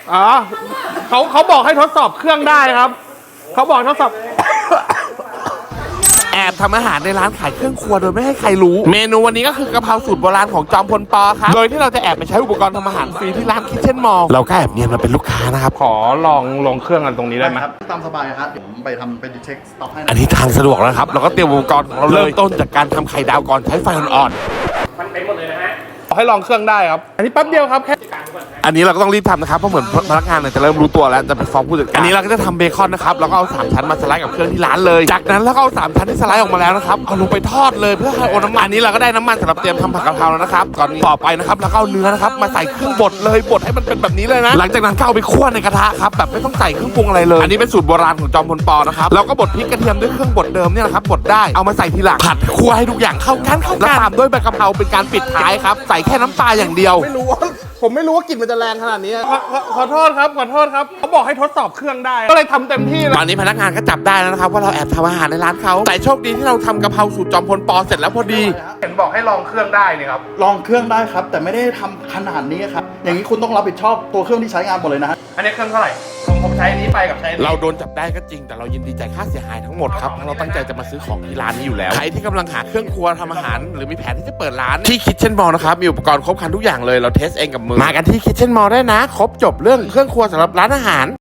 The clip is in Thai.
อ๋อเขาบอกให้ทดสอบเครื่องได้ครับเขาบอกทดสอบแอบทำอาหารในร้านขายเครื่องครัวโดยไม่ให้ใครรู้เมนูวันนี้ก็คือกะเพราสูตรโบราณของจอมพลปอครับโดยที่เราจะแอบไปใช้อุปกรณ์ทำอาหารฟรีที่ร้านคิทเช่นมอลเราก็แอบเนียนมาเป็นลูกค้านะครับขอลองเครื่องกันตรงนี้ได้ไหมครับตามสบายครับเดี๋ยวผมไปทำเป็นเช็คสต็อกให้อันนี้ทางสะดวกแล้วครับเราก็เตรียมอุปกรณ์ของเราเลยเริ่มต้นจากการทำไข่ดาวก่อนใช้ไฟอ่อนมันเป็นหมดเลยนะฮะให้ลองเครื่องได้ครับอันนี้แป๊บเดียวครับแค่ๆอันนี้เราก็ต้องรีบทำนะครับเพราะเหมือนพนักงานเนี่ยจะเริ่มรู้ตัวแล้วจะไปฟ้องผู้จัดการอันนี้เราก็จะทำเบคอนนะครับแล้วก็เอา3ชั้นมาสไลด์กับเครื่องที่ร้านเลยจากนั้นเราก็เอา3ชั้นที่สไลด์ออกมาแล้วนะครับเอาลงไปทอดเลยเพื่อให้โอน้ำมันอันนี้เราก็ได้น้ำมันสำหรับเตรียมทำผัดกะเพราแล้วนะครับก่อนต่อไปนะครับเราก็เอาเนื้อนะครับมาใส่เครื่องบดเลยบดให้มันเป็นแบบนี้เลยนะหลังจากนั้นก็เอาไปคั่วในกระทะครับแบบไม่ต้องใส่เครื่องปรุงอะไรเลยอันนี้เป็นสูตรโบราณของจอมพลปอนะครับเราก็บดพริกกระเทียมด้วยเครื่องบดเดิมเนี่ยนะครับบดได้เอามาใส่ทีหลังผัดคั่วให้ทุกอย่างเข้ากันแล้วตามด้วยใบกะเพราเป็นการปิดท้ายครับใส่แค่น้ำปลาอย่างเดียวผมไม่รู้ว่ากลิ่นมันจะแรงขนาดนี้ขอโทษครับเขาบอกให้ทดสอบเครื่องได้ก็เลยทำเต็มที่เลยตอนนี้พนักงานก็จับได้แล้วนะครับว่าเราแอบทำอาหารในร้านเขาแต่โชคดีที่เราทำกะเพราสูตรจอมพลปอเสร็จแล้วพอดีเห็นบอกให้ลองเครื่องได้นี่ครับลองเครื่องได้ครับ แต่ไม่ได้ทำขนาดนี้ครับอย่างนี้คุณต้องรับผิดชอบตัวเครื่องที่ใช้งานหมดเลยนะฮะอันนี้เครื่องเท่าไหร่ผมใช้อันนี้ไปกับใช้อันนี้เราโดนจับได้ก็จริงแต่เรายินดีจ่ายค่าเสียหายทั้งหมดครับเพราะเราตั้งใจจะมาซื้อของที่ร้านนี้อยู่แล้วใครที่กำลังหาเครื่องครัวทำอาหารหรือมีแผนที่จะเปิดร้านที่คิทเช่นมอลนะครับมีอุปกรณ์ครบครันทุกอย่างเลยเราเทสเองกับมือมากันที่คิทเช่นมอลได้นะครบจบเรื่องเครื่องครัวสำหรับร้านอาหาร